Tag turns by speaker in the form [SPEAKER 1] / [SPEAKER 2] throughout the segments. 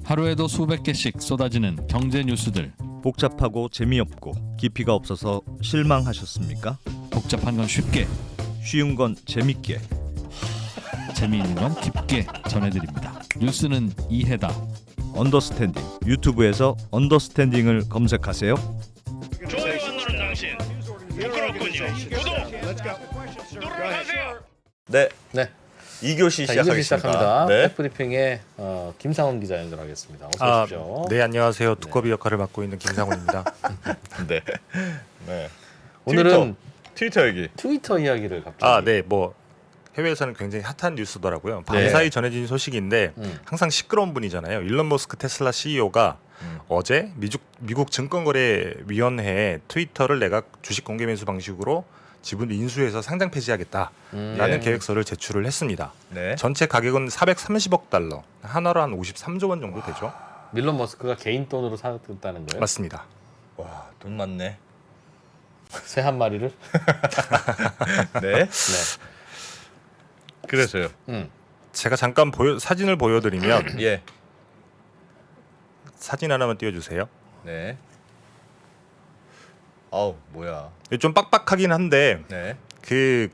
[SPEAKER 1] 하루에도 수백 개씩 쏟아지는 경제 뉴스들.
[SPEAKER 2] 복잡하고 재미없고 깊이가 없어서 실망하셨습니까?
[SPEAKER 1] 복잡한 건 쉽게,
[SPEAKER 2] 쉬운 건 재밌게.
[SPEAKER 1] 재미있는 건 깊게 전해드립니다. 뉴스는 이해다.
[SPEAKER 2] 언더스탠딩. 유튜브에서 언더스탠딩을 검색하세요.
[SPEAKER 3] 좋아요만 누른 당신 부끄럽군요. 구독 누르세요.
[SPEAKER 4] 네,
[SPEAKER 5] 네.
[SPEAKER 4] 2교시
[SPEAKER 5] 자,
[SPEAKER 4] 시작하겠습니다.
[SPEAKER 5] 2교시 시작합니다.
[SPEAKER 4] 네.
[SPEAKER 5] 백브리핑의 김상훈 기자 연결하겠습니다. 어서 오십시오.
[SPEAKER 6] 네, 안녕하세요. 두꺼비 역할을 맡고 있는 김상훈입니다.
[SPEAKER 4] 네. 네.
[SPEAKER 5] 오늘은
[SPEAKER 4] 트위터 얘기.
[SPEAKER 5] 트위터 이야기를 갑자기.
[SPEAKER 6] 네, 뭐 해외에서는 굉장히 핫한 뉴스더라고요. 밤사이 전해진 소식인데 항상 시끄러운 분이잖아요. 일론 머스크 테슬라 CEO가 어제 미국 증권거래위원회에 트위터를 내가 주식 공개 매수 방식으로 지분 인수해서 상장 폐지하겠다라는 계획서를 제출을 했습니다.
[SPEAKER 4] 네.
[SPEAKER 6] 전체 가격은 430억 달러, 한화로 한 53조 원 정도 되죠.
[SPEAKER 5] 밀론 머스크가 개인 돈으로 샀다는 거예요?
[SPEAKER 6] 맞습니다.
[SPEAKER 4] 와, 돈 많네.
[SPEAKER 5] 새 한 마리를?
[SPEAKER 4] 네.
[SPEAKER 5] 네.
[SPEAKER 4] 그래서요.
[SPEAKER 6] 제가 잠깐 사진을 보여드리면
[SPEAKER 4] 예.
[SPEAKER 6] 사진 하나만 띄워주세요.
[SPEAKER 4] 네. 아우, 뭐야.
[SPEAKER 6] 좀 빡빡하긴 한데
[SPEAKER 4] 네.
[SPEAKER 6] 그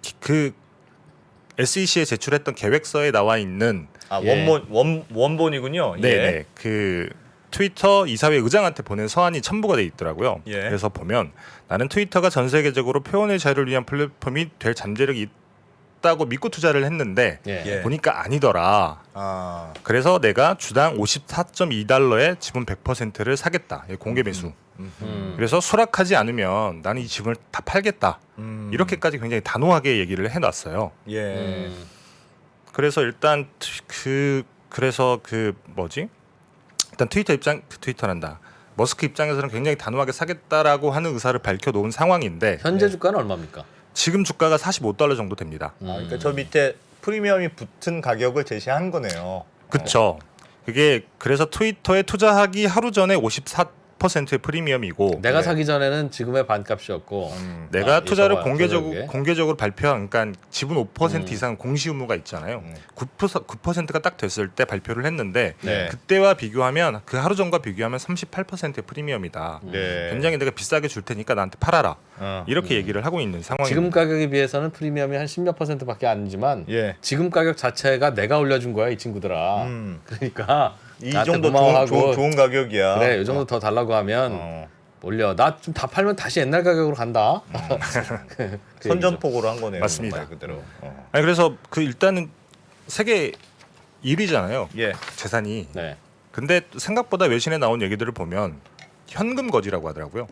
[SPEAKER 6] SEC에 제출했던 계획서에 나와 있는
[SPEAKER 4] 아,
[SPEAKER 5] 예.
[SPEAKER 4] 원본이군요.
[SPEAKER 6] 네네 그 트위터 이사회 의장한테 보낸 서한이 첨부가 돼 있더라고요.
[SPEAKER 4] 예.
[SPEAKER 6] 그래서 보면 나는 트위터가 전 세계적으로 표현의 자유를 위한 플랫폼이 될 잠재력이 있다고 믿고 투자를 했는데
[SPEAKER 5] 예.
[SPEAKER 4] 예.
[SPEAKER 6] 보니까 아니더라.
[SPEAKER 4] 아.
[SPEAKER 6] 그래서 내가 주당 54.2달러에 지분 100%를 사겠다. 공개 매수. 그래서 수락하지 않으면 나는 이 지분을 다 팔겠다. 이렇게까지 굉장히 단호하게 얘기를 해놨어요.
[SPEAKER 4] 예.
[SPEAKER 6] 그래서 일단 일단 트위터란다. 머스크 입장에서는 굉장히 단호하게 사겠다라고 하는 의사를 밝혀놓은 상황인데
[SPEAKER 5] 현재 주가는 얼마입니까?
[SPEAKER 6] 지금 주가가 45달러 정도 됩니다.
[SPEAKER 4] 아, 그러니까 저 밑에 프리미엄이 붙은 가격을 제시한 거네요.
[SPEAKER 6] 그렇죠. 그게 그래서 트위터에 투자하기 하루 전에 54%의 프리미엄이고
[SPEAKER 5] 내가
[SPEAKER 4] 네.
[SPEAKER 5] 사기 전에는 지금의 반값이었고
[SPEAKER 6] 내가 투자를
[SPEAKER 5] 있어봐요, 저녁에.
[SPEAKER 6] 공개적으로 발표한 그러니까 지분 5% 이상 공시 의무가 있잖아요. 9%가 딱 됐을 때 발표를 했는데
[SPEAKER 4] 네.
[SPEAKER 6] 그때와 비교하면 그 하루 전과 비교하면 38%의 프리미엄이다.
[SPEAKER 4] 네.
[SPEAKER 6] 굉장히 내가 비싸게 줄 테니까 나한테 팔아라. 이렇게 얘기를 하고 있는 상황입니다.
[SPEAKER 5] 지금 가격에 비해서는 프리미엄이 한 10몇 %밖에 아니지만
[SPEAKER 4] 예.
[SPEAKER 5] 지금 가격 자체가 내가 올려준 거야 이 친구들아. 그러니까
[SPEAKER 4] 이
[SPEAKER 5] 나한테
[SPEAKER 4] 정도
[SPEAKER 5] 고마워하고
[SPEAKER 4] 좋은 가격이야.
[SPEAKER 5] 그래 이 정도 더 달라고 하면 올려. 나 좀 다 팔면 다시 옛날 가격으로 간다. 그 얘기죠.
[SPEAKER 4] 선전포고로 한 거네요.
[SPEAKER 6] 맞습니다.
[SPEAKER 4] 말 그대로.
[SPEAKER 6] 아니 그래서 일단은 세계 1위잖아요.
[SPEAKER 4] 예.
[SPEAKER 6] 재산이.
[SPEAKER 5] 네.
[SPEAKER 6] 근데 생각보다 외신에 나온 얘기들을 보면 현금 거지라고 하더라고요.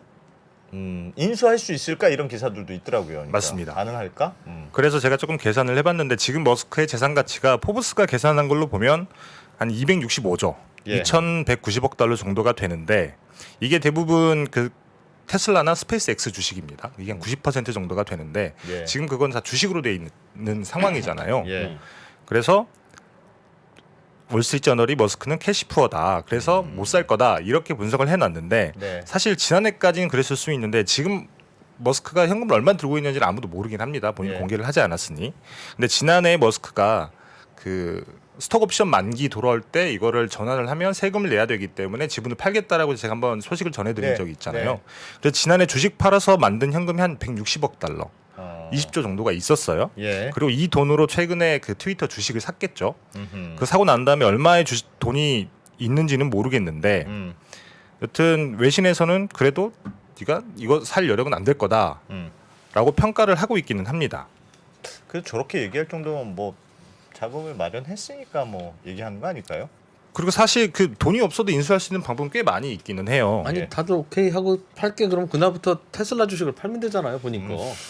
[SPEAKER 4] 인수할 수 있을까 이런 기사들도 있더라고요. 그러니까.
[SPEAKER 6] 맞습니다.
[SPEAKER 4] 가능할까?
[SPEAKER 6] 그래서 제가 조금 계산을 해봤는데 지금 머스크의 재산 가치가 포브스가 계산한 걸로 보면 한 265조,
[SPEAKER 4] 예.
[SPEAKER 6] 2,190억 달러 정도가 되는데 이게 대부분 그 테슬라나 스페이스X 주식입니다. 이게 한 90% 정도가 되는데
[SPEAKER 4] 예.
[SPEAKER 6] 지금 그건 다 주식으로 돼 있는 상황이잖아요.
[SPEAKER 4] 예.
[SPEAKER 6] 그래서 월스트리트저널이 머스크는 캐시푸어다. 그래서 못 살 거다. 이렇게 분석을 해놨는데
[SPEAKER 4] 네.
[SPEAKER 6] 사실 지난해까지는 그랬을 수 있는데 지금 머스크가 현금을 얼마 들고 있는지는 아무도 모르긴 합니다. 본인
[SPEAKER 4] 예.
[SPEAKER 6] 공개를 하지 않았으니. 근데 지난해 머스크가 그 스톡옵션 만기 돌아올 때 이거를 전환을 하면 세금을 내야 되기 때문에 지분을 팔겠다라고 제가 한번 소식을 전해드린
[SPEAKER 4] 네.
[SPEAKER 6] 적이 있잖아요.
[SPEAKER 4] 네.
[SPEAKER 6] 그래서 지난해 주식 팔아서 만든 현금이 한 160억 달러, 20조 정도가 있었어요.
[SPEAKER 4] 예.
[SPEAKER 6] 그리고 이 돈으로 최근에 그 트위터 주식을 샀겠죠.
[SPEAKER 4] 음흠.
[SPEAKER 6] 그 사고 난 다음에 얼마의 돈이 있는지는 모르겠는데 여튼 외신에서는 그래도 네가 이거 살 여력은 안 될 거다라고 평가를 하고 있기는 합니다.
[SPEAKER 4] 그래서 저렇게 얘기할 정도면 뭐 자금을 마련했으니까 뭐 얘기하는 거 아닐까요?
[SPEAKER 6] 그리고 사실 그 돈이 없어도 인수할 수 있는 방법은 꽤 많이 있기는 해요.
[SPEAKER 5] 아니
[SPEAKER 4] 예.
[SPEAKER 5] 다들 오케이 하고 팔게 그럼 그날부터 테슬라 주식을 팔면 되잖아요 보니까.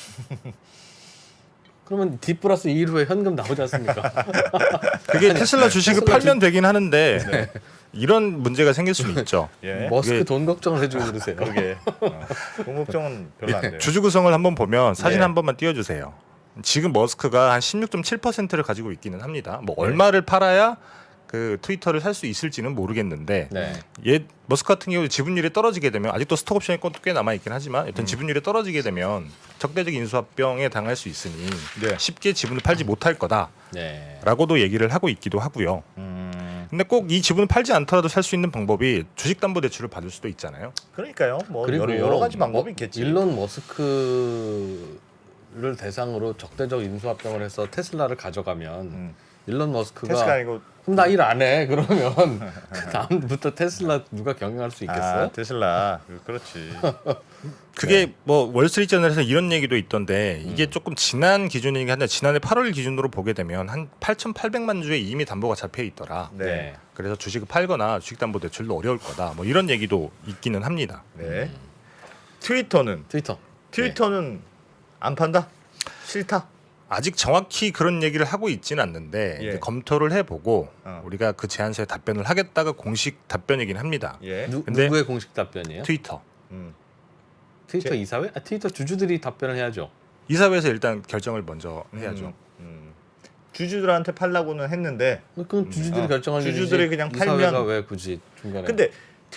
[SPEAKER 5] 그러면 D 플러스 2 후에 현금 나오지 않습니까?
[SPEAKER 6] 그게 테슬라 주식을
[SPEAKER 5] 테슬라
[SPEAKER 6] 팔면 되긴 하는데 이런 문제가 생길 수는 있죠.
[SPEAKER 4] 예.
[SPEAKER 5] 머스크
[SPEAKER 6] 그게-
[SPEAKER 5] 돈 걱정을 해주고 그러세요.
[SPEAKER 4] 그러게. 돈 걱정은 별로 안 돼요.
[SPEAKER 6] 주주 구성을 한번 보면 사진
[SPEAKER 4] 예.
[SPEAKER 6] 한 번만 띄워주세요. 지금 머스크가 한 16.7%를 가지고 있기는 합니다. 뭐
[SPEAKER 4] 네.
[SPEAKER 6] 얼마를 팔아야 그 트위터를 살 수 있을지는 모르겠는데
[SPEAKER 5] 네.
[SPEAKER 6] 머스크 같은 경우 지분율이 떨어지게 되면 아직도 스톡 옵션이 꽤 남아 있긴 하지만 일단 지분율이 떨어지게 되면 적대적 인수합병에 당할 수 있으니
[SPEAKER 4] 네.
[SPEAKER 6] 쉽게 지분을 팔지 못할 거다라고도
[SPEAKER 5] 네.
[SPEAKER 6] 얘기를 하고 있기도 하고요. 근데 꼭 이 지분을 팔지 않더라도 살 수 있는 방법이 주식담보대출을 받을 수도 있잖아요.
[SPEAKER 4] 그러니까요. 뭐
[SPEAKER 5] 그리고
[SPEAKER 4] 여러 가지 방법이
[SPEAKER 5] 뭐
[SPEAKER 4] 있겠지.
[SPEAKER 5] 일론 머스크를 대상으로 적대적 인수합병을 해서 테슬라를 가져가면 일론 머스크가
[SPEAKER 4] 테스가 아니고
[SPEAKER 5] 그럼 나 일 안 해. 그러면 그 다음부터 테슬라 누가 경영할 수 있겠어요?
[SPEAKER 4] 테슬라. 그렇지.
[SPEAKER 6] 그게 뭐 월스트리트저널에서 이런 얘기도 있던데 이게 조금 지난 기준이긴 한데 지난해 8월 기준으로 보게 되면 한 8,800만 주에 이미 담보가 잡혀 있더라.
[SPEAKER 4] 네.
[SPEAKER 6] 그래서 주식을 팔거나 주식담보대출도 어려울 거다. 뭐 이런 얘기도 있기는 합니다.
[SPEAKER 4] 네. 트위터는
[SPEAKER 5] 트위터는
[SPEAKER 4] 안 판다? 싫다?
[SPEAKER 6] 아직 정확히 그런 얘기를 하고 있지는 않는데
[SPEAKER 4] 예.
[SPEAKER 6] 이제 검토를 해보고
[SPEAKER 4] 어.
[SPEAKER 6] 우리가 그 제안서에 답변을 하겠다가 공식 답변이긴 합니다.
[SPEAKER 4] 예.
[SPEAKER 6] 근데
[SPEAKER 5] 누구의 공식 답변이에요?
[SPEAKER 6] 트위터
[SPEAKER 5] 트위터 이사회? 트위터 주주들이 답변을 해야죠.
[SPEAKER 6] 이사회에서 일단 결정을 먼저 해야죠.
[SPEAKER 4] 주주들한테 팔라고는 했는데
[SPEAKER 5] 그건 주주들이 결정할 일이지.
[SPEAKER 4] 주주들이 그냥
[SPEAKER 5] 이사회가
[SPEAKER 4] 팔면-
[SPEAKER 5] 왜 굳이 중간에?
[SPEAKER 4] 근데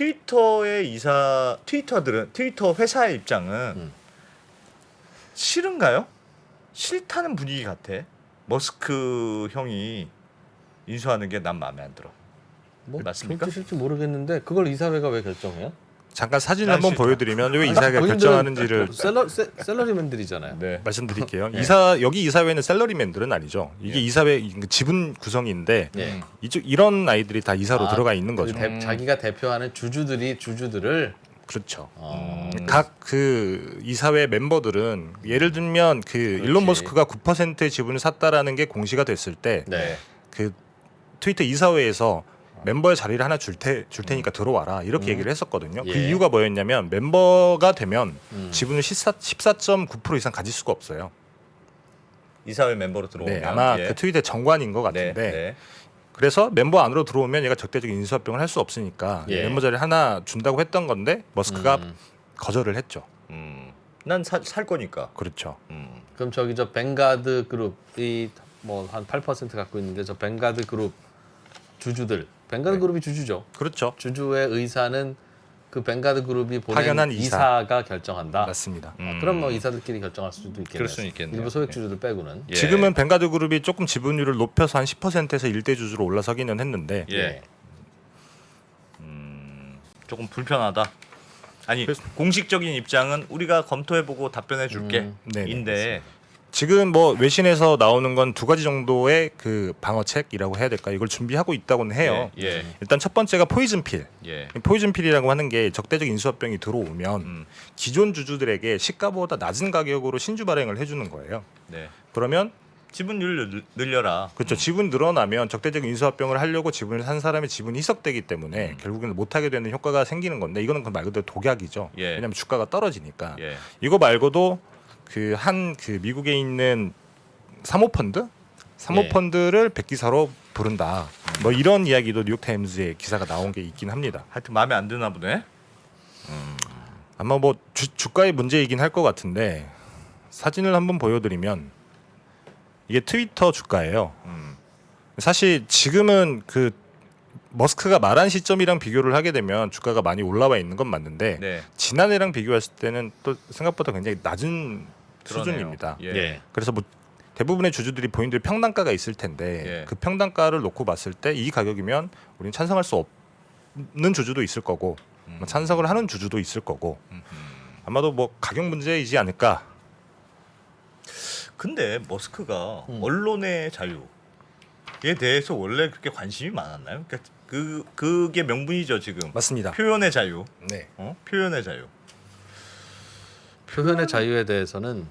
[SPEAKER 4] 트위터 회사의 입장은 싫은가요? 싫다는 분위기 같아. 머스크 형이 인수하는 게 난 마음에 안 들어.
[SPEAKER 5] 뭐
[SPEAKER 4] 맞습니까?
[SPEAKER 5] 싫지 모르겠는데 그걸 이사회가 왜 결정해요?
[SPEAKER 6] 잠깐 사진을
[SPEAKER 4] 난
[SPEAKER 6] 한번
[SPEAKER 4] 싫다.
[SPEAKER 6] 보여드리면 왜 이사회가
[SPEAKER 5] 본인들은
[SPEAKER 6] 결정하는지를
[SPEAKER 5] 샐러리맨들이잖아요.
[SPEAKER 4] 네.
[SPEAKER 6] 말씀드릴게요.
[SPEAKER 5] 예.
[SPEAKER 6] 여기 이사회는 샐러리맨들은 아니죠. 이게 이사회 지분 구성인데
[SPEAKER 5] 예.
[SPEAKER 6] 이런 아이들이 다 이사로 들어가 있는 거죠.
[SPEAKER 5] 자기가 대표하는 주주들을
[SPEAKER 6] 그렇죠.
[SPEAKER 5] 어,
[SPEAKER 6] 각 그 이사회 멤버들은 예를 들면 그 일론 머스크가 9%의 지분을 샀다라는 게 공시가 됐을 때
[SPEAKER 5] 네.
[SPEAKER 6] 그 트위터 이사회에서 멤버의 자리를 하나 줄 테니까 들어와라 이렇게 얘기를 했었거든요. 그
[SPEAKER 5] 예.
[SPEAKER 6] 이유가 뭐였냐면 멤버가 되면
[SPEAKER 5] 음.
[SPEAKER 6] 지분을 14.9% 이상 가질 수가 없어요.
[SPEAKER 4] 이사회 멤버로 들어오면
[SPEAKER 6] 네, 아마
[SPEAKER 4] 예.
[SPEAKER 6] 그 트윗의 정관인 것
[SPEAKER 4] 네,
[SPEAKER 6] 같은데
[SPEAKER 4] 네.
[SPEAKER 6] 그래서 멤버 안으로 들어오면 얘가 적대적인 인수합병을 할 수 없으니까
[SPEAKER 5] 예.
[SPEAKER 6] 멤버 자리 하나 준다고 했던 건데 머스크가
[SPEAKER 5] 음.
[SPEAKER 6] 거절을 했죠.
[SPEAKER 4] 난 살 거니까.
[SPEAKER 6] 그렇죠.
[SPEAKER 5] 그럼 저기 저 뱅가드 그룹이 뭐 한 8% 갖고 있는데 저 뱅가드 그룹 주주들 뱅가드 그룹이 주주죠.
[SPEAKER 6] 그렇죠.
[SPEAKER 5] 주주의 의사는 그 뱅가드 그룹이 보낸
[SPEAKER 6] 파견한
[SPEAKER 5] 이사가 결정한다.
[SPEAKER 6] 맞습니다.
[SPEAKER 5] 그럼 뭐 이사들끼리 결정할 수도 있겠네요.
[SPEAKER 4] 그럴 수는 있겠네요.
[SPEAKER 5] 일부 소액 주주들 빼고는.
[SPEAKER 4] 예.
[SPEAKER 6] 지금은 뱅가드 그룹이 조금 지분율을 높여서 한 10%에서 1대 주주로 올라서기는 했는데
[SPEAKER 4] 예. 조금 불편하다. 아니
[SPEAKER 6] 그래서-
[SPEAKER 4] 공식적인 입장은 우리가 검토해보고 답변해줄게.
[SPEAKER 6] 네네,
[SPEAKER 4] 인데
[SPEAKER 6] 지금 뭐 외신에서 나오는 건 두 가지 정도의 그 방어책이라고 해야 될까 이걸 준비하고 있다고는 해요.
[SPEAKER 4] 예.
[SPEAKER 6] 일단 첫 번째가 포이즌필.
[SPEAKER 4] 예.
[SPEAKER 6] 포이즌필이라고 하는 게 적대적 인수합병이 들어오면 기존 주주들에게 시가보다 낮은 가격으로 신주 발행을 해주는 거예요.
[SPEAKER 4] 네.
[SPEAKER 6] 그러면
[SPEAKER 4] 지분율 늘려라.
[SPEAKER 6] 그렇죠. 지분 늘어나면 적대적 인수합병을 하려고 지분을 산 사람의 지분이 희석되기 때문에 결국에는 못하게 되는 효과가 생기는 건데 이거는 그 말 그대로 독약이죠.
[SPEAKER 4] 예.
[SPEAKER 6] 왜냐하면 주가가 떨어지니까.
[SPEAKER 4] 예.
[SPEAKER 6] 이거 말고도 그 미국에 있는 사모펀드? 사모펀드를 백기사로 부른다. 뭐 이런 이야기도 뉴욕타임즈에 기사가 나온 게 있긴 합니다.
[SPEAKER 4] 하여튼 마음에 안 드나 보네.
[SPEAKER 6] 아마 뭐 주가의 문제이긴 할 것 같은데 사진을 한번 보여드리면 이게 트위터 주가예요. 사실 지금은 그 머스크가 말한 시점이랑 비교를 하게 되면 주가가 많이 올라와 있는 건 맞는데
[SPEAKER 4] 네.
[SPEAKER 6] 지난해랑 비교했을 때는 또 생각보다 굉장히 낮은
[SPEAKER 4] 그러네요.
[SPEAKER 6] 수준입니다.
[SPEAKER 4] 예.
[SPEAKER 5] 예.
[SPEAKER 6] 그래서 뭐 대부분의 주주들이 본인들 평단가가 있을 텐데
[SPEAKER 4] 예.
[SPEAKER 6] 그 평단가를 놓고 봤을 때 이 가격이면 우리는 찬성할 수 없는 주주도 있을 거고 뭐 찬성을 하는 주주도 있을 거고 아마도 뭐 가격 문제이지 않을까.
[SPEAKER 4] 근데 머스크가 언론의 자유에 대해서 원래 그렇게 관심이 많았나요? 그러니까 그게 명분이죠 지금.
[SPEAKER 6] 맞습니다.
[SPEAKER 4] 표현의 자유.
[SPEAKER 6] 네.
[SPEAKER 4] 표현의 자유.
[SPEAKER 5] 표현의 자유에 대해서는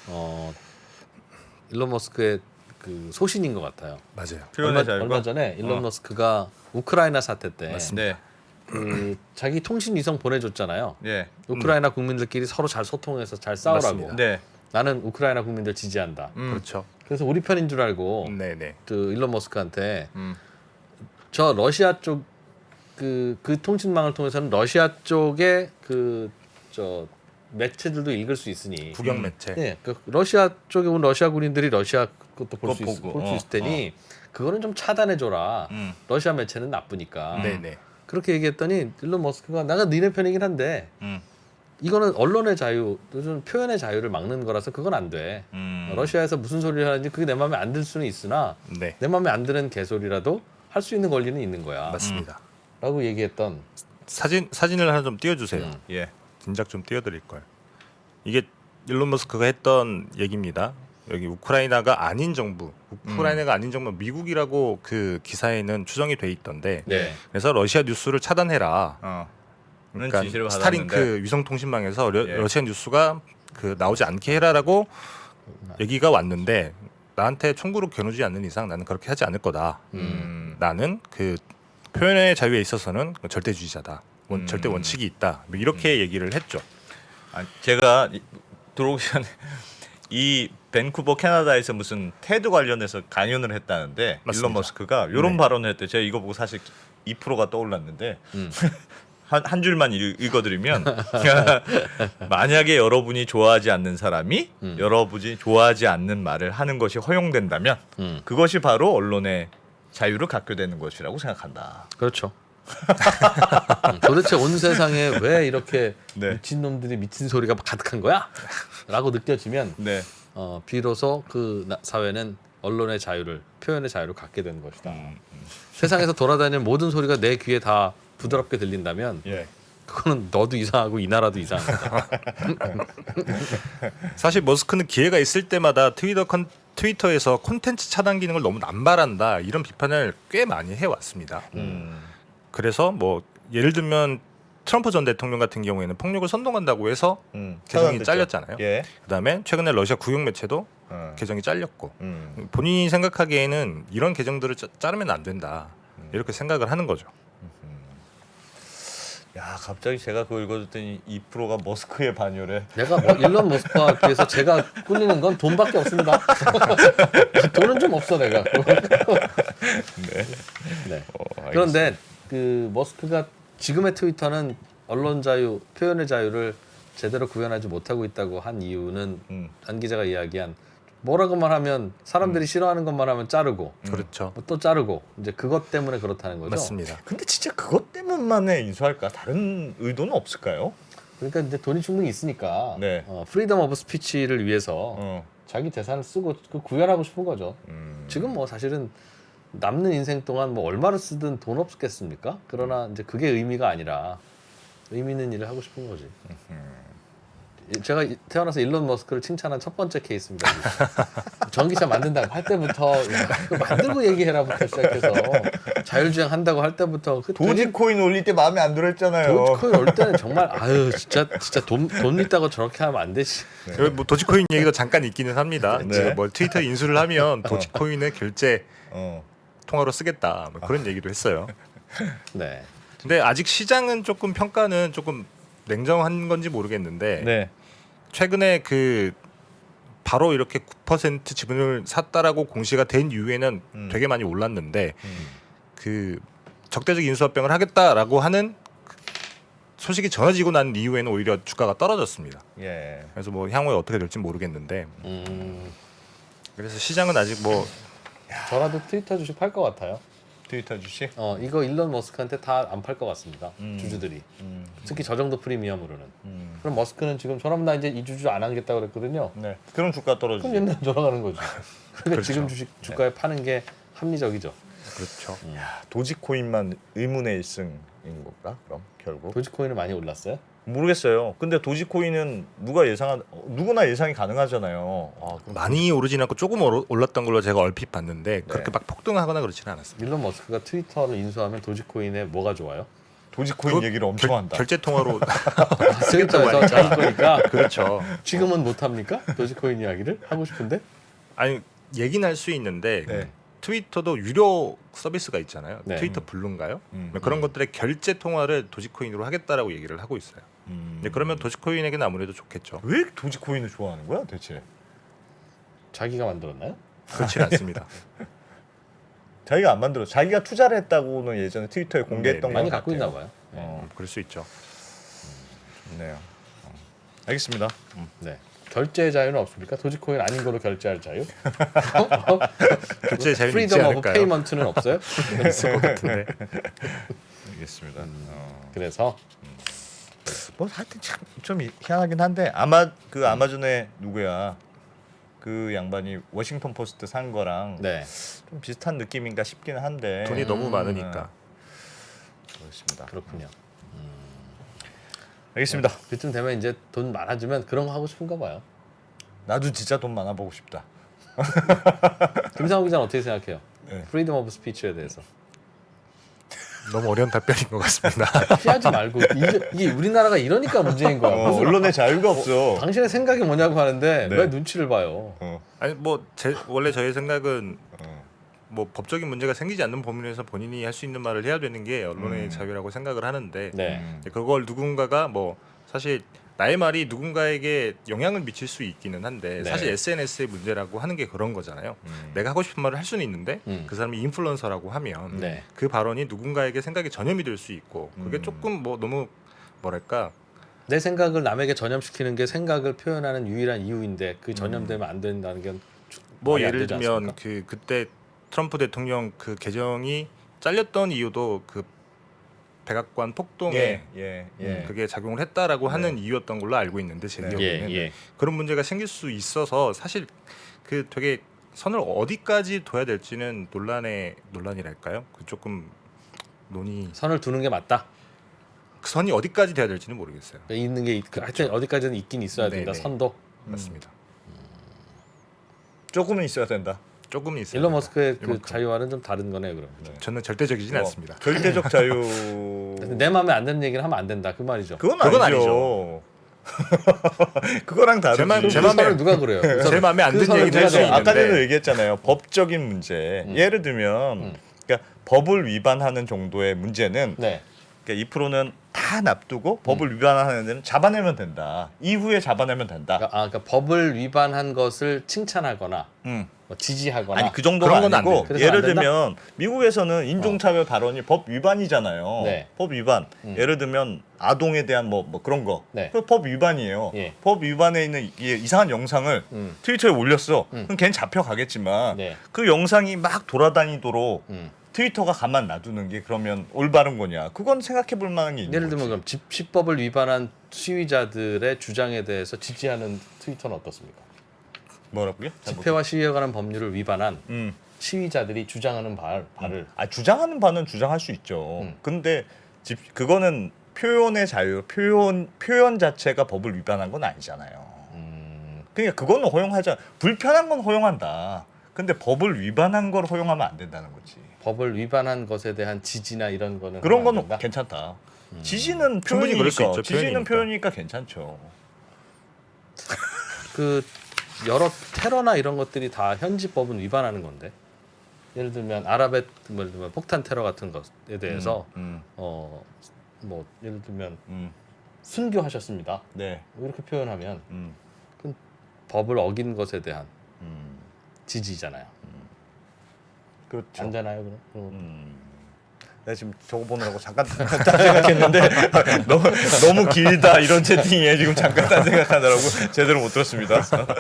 [SPEAKER 5] 일론 머스크의 그 소신인 것 같아요.
[SPEAKER 6] 맞아요.
[SPEAKER 4] 표현의 자유가.
[SPEAKER 5] 얼마 전에 일론 머스크가 우크라이나 사태 때
[SPEAKER 4] 네.
[SPEAKER 5] 그 자기 통신 위성 보내줬잖아요.
[SPEAKER 4] 예.
[SPEAKER 5] 우크라이나 국민들끼리 서로 잘 소통해서 잘 싸우라고.
[SPEAKER 6] 맞습니다.
[SPEAKER 4] 네.
[SPEAKER 5] 나는 우크라이나 국민들 지지한다.
[SPEAKER 6] 그렇죠.
[SPEAKER 5] 그래서 우리 편인 줄 알고
[SPEAKER 6] 네네.
[SPEAKER 5] 그 일론 머스크한테 저 러시아 쪽 그 통신망을 통해서는 러시아 쪽에 그 저 매체들도 읽을 수 있으니
[SPEAKER 6] 국영 매체.
[SPEAKER 5] 네, 그 러시아 쪽에 온 러시아 군인들이 러시아 것도 볼 수
[SPEAKER 4] 보고,
[SPEAKER 5] 있을 테니 그거는 좀 차단해 줘라. 러시아 매체는 나쁘니까.
[SPEAKER 6] 네네.
[SPEAKER 5] 그렇게 얘기했더니 일론 머스크가 내가 니네 편이긴 한데 이거는 언론의 자유, 요즘 표현의 자유를 막는 거라서 그건 안 돼. 러시아에서 무슨 소리를 하는지 그게 내 마음에 안 들 수는 있으나
[SPEAKER 6] 네.
[SPEAKER 5] 내 마음에 안 드는 개소리라도 할 수 있는 권리는 있는 거야.
[SPEAKER 6] 맞습니다.
[SPEAKER 5] 라고 얘기했던
[SPEAKER 6] 사진을 하나 좀 띄워주세요.
[SPEAKER 4] 예.
[SPEAKER 6] 진작 좀 띄워드릴 걸. 이게 일론 머스크가 했던 얘기입니다. 여기 우크라이나가 아닌 정부, 우크라이나가 아닌 정부 미국이라고 그 기사에는 추정이 돼 있던데.
[SPEAKER 5] 네.
[SPEAKER 6] 그래서 러시아 뉴스를 차단해라. 그러니까
[SPEAKER 4] 지시를
[SPEAKER 6] 스타링크 위성통신망에서
[SPEAKER 4] 예.
[SPEAKER 6] 러시아 뉴스가 그 나오지 않게 해라라고 얘기가 왔는데 나한테 총구로 겨누지 않는 이상 나는 그렇게 하지 않을 거다. 나는 그 표현의 자유에 있어서는 절대주의자다. 절대 원칙이 있다. 뭐 이렇게 얘기를 했죠.
[SPEAKER 4] 제가 들어오기 전에 이 밴쿠버 캐나다에서 무슨 테드 관련해서 강연을 했다는데
[SPEAKER 6] 맞습니다.
[SPEAKER 4] 일론 머스크가 이런
[SPEAKER 6] 네.
[SPEAKER 4] 발언을 했대. 제가 이거 보고 사실 2%가 떠올랐는데 한 줄만 읽어드리면 만약에 여러분이 좋아하지 않는 사람이 여러분이 좋아하지 않는 말을 하는 것이 허용된다면 그것이 바로 언론의 자유를 갖게 되는 것이라고 생각한다.
[SPEAKER 5] 그렇죠. 도대체 온 세상에 왜 이렇게
[SPEAKER 4] 네.
[SPEAKER 5] 미친 놈들이 미친 소리가 가득한 거야? 라고 느껴지면
[SPEAKER 4] 네.
[SPEAKER 5] 비로소 그 사회는 언론의 자유를, 표현의 자유를 갖게 되는 것이다. 세상에서 돌아다니는 모든 소리가 내 귀에 다 부드럽게 들린다면
[SPEAKER 4] 예.
[SPEAKER 5] 그거는 너도 이상하고 이 나라도 이상한 거다.
[SPEAKER 6] 사실 머스크는 기회가 있을 때마다 트위터에서 콘텐츠 차단 기능을 너무 남발한다 이런 비판을 꽤 많이 해왔습니다. 그래서 뭐 예를 들면 트럼프 전 대통령 같은 경우에는 폭력을 선동한다고 해서 계정이
[SPEAKER 4] 차단됐죠.
[SPEAKER 6] 잘렸잖아요.
[SPEAKER 4] 예.
[SPEAKER 6] 그다음에 최근에 러시아 국영 매체도 계정이 잘렸고 본인이 생각하기에는 이런 계정들을 자르면 안 된다 이렇게 생각을 하는 거죠.
[SPEAKER 4] 야, 갑자기 제가 그거 읽어줬더니 2%가 머스크의 반열에
[SPEAKER 5] 내가 뭐 일론 머스크와 비해서 제가 꿀리는 건 돈밖에 없습니다. 돈은 좀 없어 내가. 네. 그런데 그 머스크가 지금의 트위터는 언론 자유, 표현의 자유를 제대로 구현하지 못하고 있다고 한 이유는 안 기자가 이야기한 뭐라고만 하면 사람들이 싫어하는 것만 하면 자르고
[SPEAKER 6] 그렇죠.
[SPEAKER 5] 뭐또 자르고 이제 그것 때문에 그렇다는 거죠.
[SPEAKER 6] 맞습니다.
[SPEAKER 4] 근데 진짜 그것 때문만에 인수할까? 다른 의도는 없을까요?
[SPEAKER 5] 그러니까 이제 돈이 충분히 있으니까
[SPEAKER 4] 네.
[SPEAKER 5] 프리덤 오브 스피치를 위해서 자기 재산을 쓰고 그 구현하고 싶은 거죠. 지금 뭐 사실은 남는 인생 동안 뭐 얼마를 쓰든 돈 없겠습니까? 그러나 이제 그게 의미가 아니라 의미 있는 일을 하고 싶은 거지. 제가 태어나서 일론 머스크를 칭찬한 첫 번째 케이스입니다. 전기차 만든다고 할 때부터 야, 그거 만들고 얘기해라부터 시작해서 자율주행 한다고 할 때부터 그
[SPEAKER 4] 도지코인 올릴 때 마음에 안 들어 했잖아요.
[SPEAKER 5] 도지코인 올 때는 정말 아유 진짜 돈 있다고 저렇게 하면 안 되지.
[SPEAKER 6] 여기 뭐 도지코인 얘기도 잠깐 있기는 합니다.
[SPEAKER 4] 네.
[SPEAKER 6] 지금 뭐 트위터 인수를 하면 도지코인을 결제
[SPEAKER 4] 어.
[SPEAKER 6] 통화로 쓰겠다 뭐 그런 얘기도 했어요.
[SPEAKER 5] 네.
[SPEAKER 6] 근데 아직 시장은 조금 평가는 조금 냉정한 건지 모르겠는데
[SPEAKER 4] 네.
[SPEAKER 6] 최근에 그 바로 이렇게 9% 지분을 샀다라고 공시가 된 이후에는 되게 많이 올랐는데 그 적대적 인수합병을 하겠다라고 하는 소식이 전해지고 난 이후에는 오히려 주가가 떨어졌습니다.
[SPEAKER 4] 예.
[SPEAKER 6] 그래서 뭐 향후에 어떻게 될지 모르겠는데 그래서 시장은 아직 뭐
[SPEAKER 5] 저라도 트위터 주식 팔 것 같아요.
[SPEAKER 4] 트위터 주식?
[SPEAKER 5] 이거 일론 머스크한테 다 안 팔 것 같습니다. 주주들이. 특히 저 정도 프리미엄으로는. 그럼 머스크는 지금 저럼 나 이제 이 주주 안 하겠다고 그랬거든요.
[SPEAKER 4] 네. 그럼 주가 떨어지죠.
[SPEAKER 5] 그럼 옛날 돌아가는 거죠. 그러니까
[SPEAKER 6] 그렇죠.
[SPEAKER 5] 지금 주식 주가에 파는 게 합리적이죠.
[SPEAKER 6] 그렇죠.
[SPEAKER 4] 도지코인만 의문의 1승인 건가? 그럼 결국
[SPEAKER 5] 도지코인은 많이 올랐어요?
[SPEAKER 4] 모르겠어요. 근데 도지코인은 누구나 예상이 가능하잖아요. 아, 그럼
[SPEAKER 6] 많이 오르진 않고 조금 올랐던 걸로 제가 얼핏 봤는데 그렇게 막 폭등하거나 그렇지는 않았습니다.
[SPEAKER 5] 일론 머스크가 트위터를 인수하면 도지코인에 뭐가 좋아요?
[SPEAKER 4] 도지코인 얘기를 엄청 한다.
[SPEAKER 6] 결제 통화로
[SPEAKER 5] 트위터에서 자기 거니까
[SPEAKER 6] 그렇죠.
[SPEAKER 5] 지금은 못 합니까? 도지코인 이야기를 하고 싶은데.
[SPEAKER 6] 아니 얘기는 할 수 있는데
[SPEAKER 4] 네.
[SPEAKER 6] 트위터도 유료 서비스가 있잖아요.
[SPEAKER 5] 네.
[SPEAKER 6] 트위터 블루인가요? 그런 것들의 결제 통화를 도지코인으로 하겠다라고 얘기를 하고 있어요. 근데 그러면 도지코인에게는 아무래도 좋겠죠.
[SPEAKER 4] 왜 도지코인을 좋아하는 거야, 대체?
[SPEAKER 5] 자기가 만들었나요?
[SPEAKER 6] 그렇지는 않습니다.
[SPEAKER 4] 자기가 안 만들어. 자기가 투자를 했다고는 예전에 트위터에 공개했던
[SPEAKER 6] 네,
[SPEAKER 4] 것
[SPEAKER 5] 많이
[SPEAKER 4] 같아요.
[SPEAKER 5] 갖고 있나 봐요.
[SPEAKER 6] 그럴 수 있죠.
[SPEAKER 4] 좋네요. 알겠습니다.
[SPEAKER 5] 네. 결제 자유는 없습니까? 도지코인 아닌 거로 결제할 자유?
[SPEAKER 6] 결제 자유는 있지
[SPEAKER 5] 프리덤 오브
[SPEAKER 6] 않을까요?
[SPEAKER 5] 페이먼트는 없어요?
[SPEAKER 6] 있을 것 같은데.
[SPEAKER 4] 알겠습니다.
[SPEAKER 5] 그래서
[SPEAKER 4] 뭐 하여튼 참 좀 희한하긴 한데 아마존의 누구야? 그 양반이 워싱턴 포스트 산 거랑
[SPEAKER 5] 네.
[SPEAKER 4] 좀 비슷한 느낌인가 싶기는 한데
[SPEAKER 6] 돈이 너무 많으니까.
[SPEAKER 4] 그렇습니다.
[SPEAKER 5] 그렇군요.
[SPEAKER 4] 알겠습니다.
[SPEAKER 5] 그쯤 되면 이제 돈 많아지면 그런 거 하고 싶은가 봐요.
[SPEAKER 4] 나도 진짜 돈 많아 보고 싶다.
[SPEAKER 5] 김상욱 기자는 어떻게 생각해요?
[SPEAKER 4] 네.
[SPEAKER 5] 프리덤 오브 스피치에 대해서.
[SPEAKER 6] 너무 어려운 답변인 것 같습니다.
[SPEAKER 5] 피하지 말고 이게 우리나라가 이러니까 문제인 거야. 무슨
[SPEAKER 4] 언론의 자유가 없어.
[SPEAKER 5] 당신의 생각이 뭐냐고 하는데
[SPEAKER 4] 네.
[SPEAKER 5] 왜 눈치를 봐요?
[SPEAKER 6] 아니 뭐 원래 저의 생각은 뭐 법적인 문제가 생기지 않는 범위에서 본인이 할 수 있는 말을 해야 되는 게 언론의 자유라고 생각을 하는데
[SPEAKER 5] 네.
[SPEAKER 6] 그걸 누군가가 뭐 사실 나의 말이 누군가에게 영향을 미칠 수 있기는 한데
[SPEAKER 5] 네.
[SPEAKER 6] 사실 SNS의 문제라고 하는 게 그런 거잖아요. 내가 하고 싶은 말을 할 수는 있는데 그 사람이 인플루언서라고 하면
[SPEAKER 5] 네.
[SPEAKER 6] 그 발언이 누군가에게 생각에 전염이 될 수 있고 그게 조금 뭐 너무 뭐랄까
[SPEAKER 5] 내 생각을 남에게 전염시키는 게 생각을 표현하는 유일한 이유인데 그 전염되면 안 된다는 게
[SPEAKER 6] 뭐
[SPEAKER 5] 말이 안
[SPEAKER 6] 예를
[SPEAKER 5] 되지
[SPEAKER 6] 들면
[SPEAKER 5] 않습니까?
[SPEAKER 6] 그때 트럼프 대통령 그 계정이 잘렸던 이유도 그 백악관 폭동에 그게 작용을 했다라고 하는 이유였던 걸로 알고 있는데 제 기억에는
[SPEAKER 5] 예.
[SPEAKER 6] 그런 문제가 생길 수 있어서 사실 그 되게 선을 어디까지 둬야 될지는 논란이랄까요? 그 조금
[SPEAKER 5] 선을 두는 게 맞다.
[SPEAKER 6] 그 선이 어디까지 돼야 될지는 모르겠어요.
[SPEAKER 5] 있는 게 하여튼 어디까지는 있긴 있어야 된다.
[SPEAKER 6] 네네.
[SPEAKER 5] 선도.
[SPEAKER 6] 맞습니다.
[SPEAKER 4] 조금은 있어야 된다.
[SPEAKER 6] 조금은 있어요.
[SPEAKER 5] 일론 머스크의 그
[SPEAKER 6] 이만큼.
[SPEAKER 5] 자유와는 좀 다른 거네요, 그럼.
[SPEAKER 6] 저는 절대적이진 않습니다.
[SPEAKER 4] 절대적 자유.
[SPEAKER 5] 내 마음에 안 드는 얘기를 하면 안 된다. 그 말이죠.
[SPEAKER 4] 그건
[SPEAKER 6] 그건
[SPEAKER 4] 아니죠. 그거랑 다르지.
[SPEAKER 6] 제 맘-
[SPEAKER 5] 그
[SPEAKER 6] 제 맘에-
[SPEAKER 5] 선을 누가 그래요? 그
[SPEAKER 6] 제 마음에 안
[SPEAKER 5] 그
[SPEAKER 6] 드는
[SPEAKER 5] 선을
[SPEAKER 6] 얘기도 할 수
[SPEAKER 5] 누가
[SPEAKER 6] 있는데
[SPEAKER 4] 아까 전에도 얘기했잖아요. 법적인 문제. 예를 들면 그러니까 법을 위반하는 정도의 문제는
[SPEAKER 5] 네.
[SPEAKER 4] 그러니까 2%는 다 납두고 법을 위반하는 데는 잡아내면 된다. 이후에 잡아내면 된다.
[SPEAKER 5] 그러니까 법을 위반한 것을 칭찬하거나
[SPEAKER 4] 음.
[SPEAKER 5] 뭐 지지하거나
[SPEAKER 4] 아니 그 정도가
[SPEAKER 6] 그런 건 안
[SPEAKER 4] 아니고
[SPEAKER 5] 돼. 그래서
[SPEAKER 4] 예를
[SPEAKER 5] 안 된다?
[SPEAKER 4] 들면 미국에서는 인종차별 발언이 법 위반이잖아요.
[SPEAKER 5] 네.
[SPEAKER 4] 법 위반. 예를 들면 아동에 대한 뭐 그런 거.
[SPEAKER 5] 네.
[SPEAKER 4] 그 법 위반이에요.
[SPEAKER 5] 예.
[SPEAKER 4] 법 위반에 있는 이상한 영상을 트위터에 올렸어. 그럼 걔는 잡혀가겠지만
[SPEAKER 5] 네.
[SPEAKER 4] 그 영상이 막 돌아다니도록
[SPEAKER 5] 음.
[SPEAKER 4] 트위터가 가만 놔두는 게 그러면 올바른 거냐? 그건 생각해볼 만한 게 있는
[SPEAKER 5] 예를
[SPEAKER 4] 거지.
[SPEAKER 5] 들면 그럼 집시법을 위반한 시위자들의 주장에 대해서 지지하는 트위터는 어떻습니까?
[SPEAKER 4] 뭐라고요? 잘
[SPEAKER 5] 집회와 시위에 관한 법률을 위반한
[SPEAKER 4] 못-
[SPEAKER 5] 시위자들이 주장하는 발을
[SPEAKER 4] 주장하는 바는 주장할 수 있죠. 근데 그거는 표현의 자유, 표현 자체가 법을 위반한 건 아니잖아요. 그러니까 그거는 허용하자. 불편한 건 허용한다. 근데 법을 위반한 걸 허용하면 안 된다는 거지.
[SPEAKER 5] 법을 위반한 것에 대한 지지나 이런 거는
[SPEAKER 4] 그런
[SPEAKER 5] 하면 안
[SPEAKER 4] 건
[SPEAKER 5] 된다?
[SPEAKER 4] 괜찮다. 지지는
[SPEAKER 6] 충분히 그럴 수
[SPEAKER 4] 표현이니까.
[SPEAKER 6] 있죠,
[SPEAKER 4] 지지는
[SPEAKER 6] 표현이니까.
[SPEAKER 4] 표현이니까 괜찮죠.
[SPEAKER 5] 그 여러 테러나 이런 것들이 다 현지 법은 위반하는 건데 예를 들면 아랍의 뭐 예를 들면 폭탄 테러 같은 것에 대해서 뭐 예를 들면 순교하셨습니다.
[SPEAKER 4] 네.
[SPEAKER 5] 이렇게 표현하면
[SPEAKER 4] 음.
[SPEAKER 5] 그건 법을 어긴 것에 대한 지지잖아요.
[SPEAKER 4] 그렇죠.
[SPEAKER 5] 안 되나요, 그럼?
[SPEAKER 4] 내가 지금 저거 보느라고 잠깐 딴 생각했는데 너무 길다 이런 채팅에 지금 잠깐 딴 생각하느라고 제대로 못 들었습니다.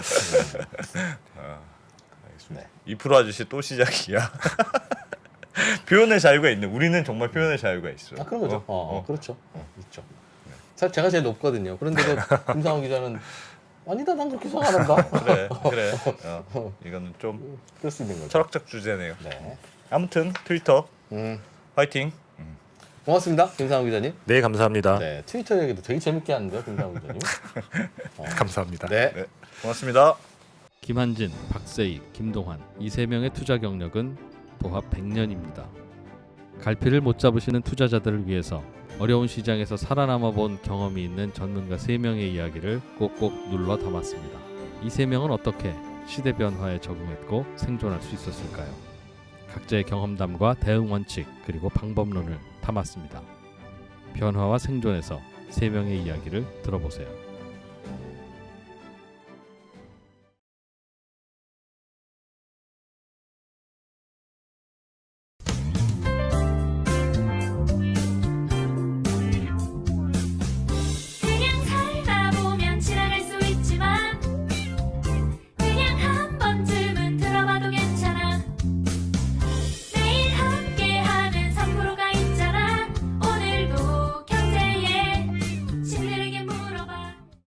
[SPEAKER 5] 네.
[SPEAKER 4] 2% 아저씨 또 시작이야. 표현의 자유가 있네. 우리는 정말 표현의 자유가 있어.
[SPEAKER 5] 아 그런 거죠. 그렇죠. 있죠. 사실 제가 제일 높거든요. 그런데도 김상호 기자는 아니다, 난 그렇게 생각 안 한다.
[SPEAKER 4] 그래. 이거는 좀
[SPEAKER 5] 그럴 수 있는 거죠.
[SPEAKER 4] 철학적 주제네요.
[SPEAKER 5] 네.
[SPEAKER 4] 아무튼 트위터
[SPEAKER 5] 음,
[SPEAKER 4] 화이팅.
[SPEAKER 5] 고맙습니다, 김상호 기자님.
[SPEAKER 6] 네 감사합니다.
[SPEAKER 5] 네, 트위터 얘기도 되게 재밌게 하는데요, 김상호 기자님.
[SPEAKER 6] 감사합니다.
[SPEAKER 5] 네.
[SPEAKER 4] 네, 고맙습니다.
[SPEAKER 1] 김한진, 박세익, 김동환 이 세 명의 투자 경력은 도합 100년입니다. 갈피를 못 잡으시는 투자자들을 위해서 어려운 시장에서 살아남아 본 경험이 있는 전문가 3명의 이야기를 꼭꼭 눌러 담았습니다. 이 3명은 어떻게 시대 변화에 적응했고 생존할 수 있었을까요? 각자의 경험담과 대응 원칙 그리고 방법론을 담았습니다. 변화와 생존에서 3명의 이야기를 들어보세요.